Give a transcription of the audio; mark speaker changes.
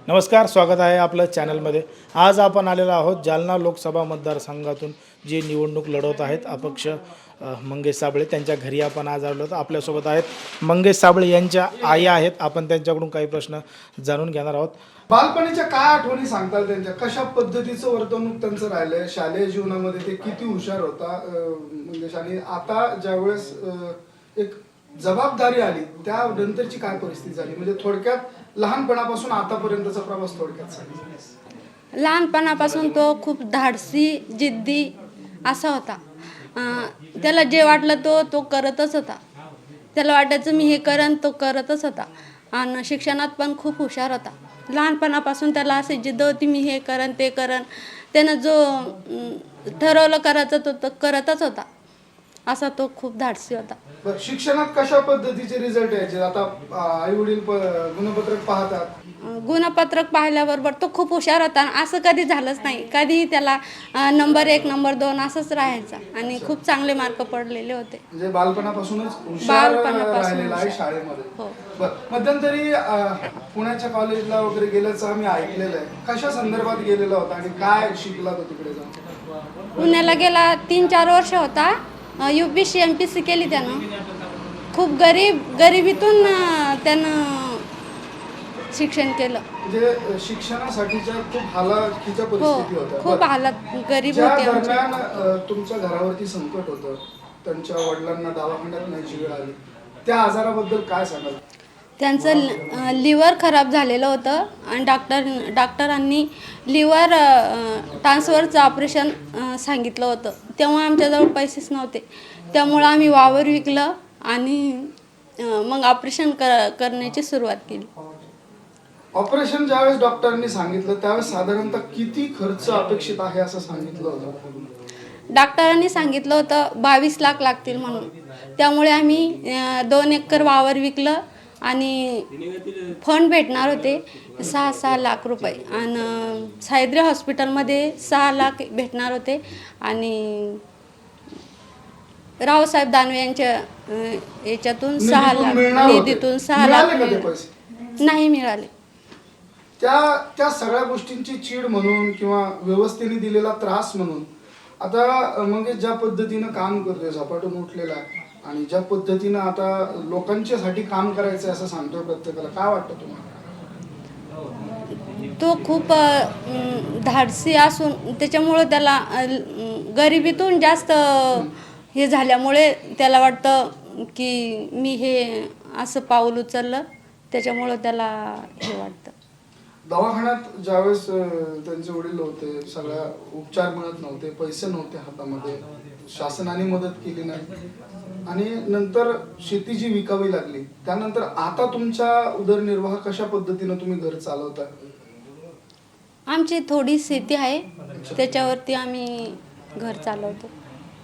Speaker 1: नमस्कार, स्वागत आहे आपलं चॅनलमध्ये। आज आपण आलेलो आहोत जालना लोकसभा मतदारसंघातून जे निवडणूक लढवत आहेत अपक्ष मंगेश साबळे त्यांच्या घरी आपण आज आलो आहोत। आपल्यासोबत आहेत मंगेश साबळे यांच्या आई आहेत, आपण त्यांच्याकडून काही प्रश्न जाणून घेणार आहोत।
Speaker 2: बालपणीच्या काय आठवणी सांगताल त्यांच्या? कशा पद्धतीचं वर्तणूक त्यांचं राहिलंय शालेय जीवनामध्ये? ते किती हुशार होता मंगेश, आणि आता ज्यावेळेस एक जबाबदारी आली त्यानंतरची काय परिस्थिती झाली? म्हणजे थोडक्यात लहानपणापासून आतापर्यंतचा प्रवास थोडक्यात सांगा।
Speaker 3: लहानपणापासून तो खूप धाडसी, जिद्दी असा होता। त्याला जे वाटलं तो करतच होता। त्याला वाटायचं मी हे करन, तो करतच होता। आणि शिक्षणात पण खूप हुशार होता। लहानपणापासून त्याला अशी जिद्द होती, मी हे करन ते करन। त्यानं जो ठरवलं करायचं तो करतच होता। असा तो खूप धाडसी होता।
Speaker 2: शिक्षणात कशा पद्धतीचे रिझल्ट यायचे? आता आई वडील गुणपत्रक पाहतात,
Speaker 3: गुणपत्रक पाहिल्याबरोबर तो खूप हुशार होता। असं कधी झालंच नाही, कधी त्याला नंबर 1 नंबर 2 असंच राहायचा आणि खूप चांगले मार्क पडलेले होते।
Speaker 2: म्हणजे बालपणापासूनच हुशार राहिलेला आहे शाळेमध्ये।
Speaker 3: हो।
Speaker 2: मध्यंतरी पुण्याच्या कॉलेजला वगैरे गेल्याचं आम्ही ऐकलेलं आहे। कशा संदर्भात गेलेला होता आणि काय शिकला तो तिकडे जाऊन?
Speaker 3: पुण्याला गेला 3-4 वर्ष होता। UPSC MPSC केली त्यानं। खूप गरिबीतून त्यानं शिक्षण केलं।
Speaker 2: म्हणजे शिक्षणासाठीच्या खूप हालाखीच्या परिस्थिती होत्या।
Speaker 3: खूप हालत गरीब
Speaker 2: ज्या
Speaker 3: होते।
Speaker 2: दरम्यान तुमच्या घरावरती संकट होतं, त्यांच्या वडिलांना दवाखान्यात न्यायची वेळ आली, त्या आजाराबद्दल काय सांगाल?
Speaker 3: त्यांचं लिव्हर खराब झालेलं होतं आणि डॉक्टरांनी लिव्हर ट्रान्सफरचं ऑपरेशन सांगितलं होतं। तेव्हा आमच्याजवळ पैसेच नव्हते, त्यामुळं आम्ही वावर विकलं आणि मग ऑपरेशन करण्याची सुरुवात केली।
Speaker 2: ऑपरेशन ज्यावेळेस डॉक्टरांनी सांगितलं त्यावेळेस साधारणतः किती खर्च अपेक्षित आहे असं सांगितलं होतं?
Speaker 3: डॉक्टरांनी सांगितलं होतं 22 लाख लागतील म्हणून। त्यामुळे आम्ही 2 एकर वावर विकलं आणि फंड भेटणार होते 6 लाख रुपये आणि सायद्री हॉस्पिटलमध्ये 6 लाख भेटणार होते आणि रावसाहेब दानवे यांच्या याच्यातून 6 लाख निधीतून 6 लाख नाही मिळाले।
Speaker 2: त्या सगळ्या गोष्टींची चीड म्हणून किंवा व्यवस्थेने दिलेला त्रास म्हणून आता मग ज्या पद्धतीनं काम करतोय, झपाटून उठलेला आहे आणि ज्या पद्धतीनं आता लोकांच्यासाठी काम करायचं असं सांगतोय प्रत्येकाला, काय वाटतं तुम्हाला?
Speaker 3: तो खूप धाडसी असून त्याच्यामुळं त्याला गरिबीतून जास्त हे झाल्यामुळे त्याला वाटतं की मी हे असं पाऊल उचललं, त्याच्यामुळं त्याला हे वाटतं।
Speaker 2: दवाखान्यात ज्यावेळेस त्यांचे वडील होते, सगळ्या उपचार मिळत नव्हते, पैसे नव्हते हातामध्ये, शासनाने मदत केली नाही आणि नंतर शेती जी विकावी लागली, त्यानंतर आता तुमचा उदरनिर्वाह कशा पद्धतीनं तुम्ही घर चालवता?
Speaker 3: आमची थोडी शेती आहे, त्याच्यावरती आम्ही घर चालवतो।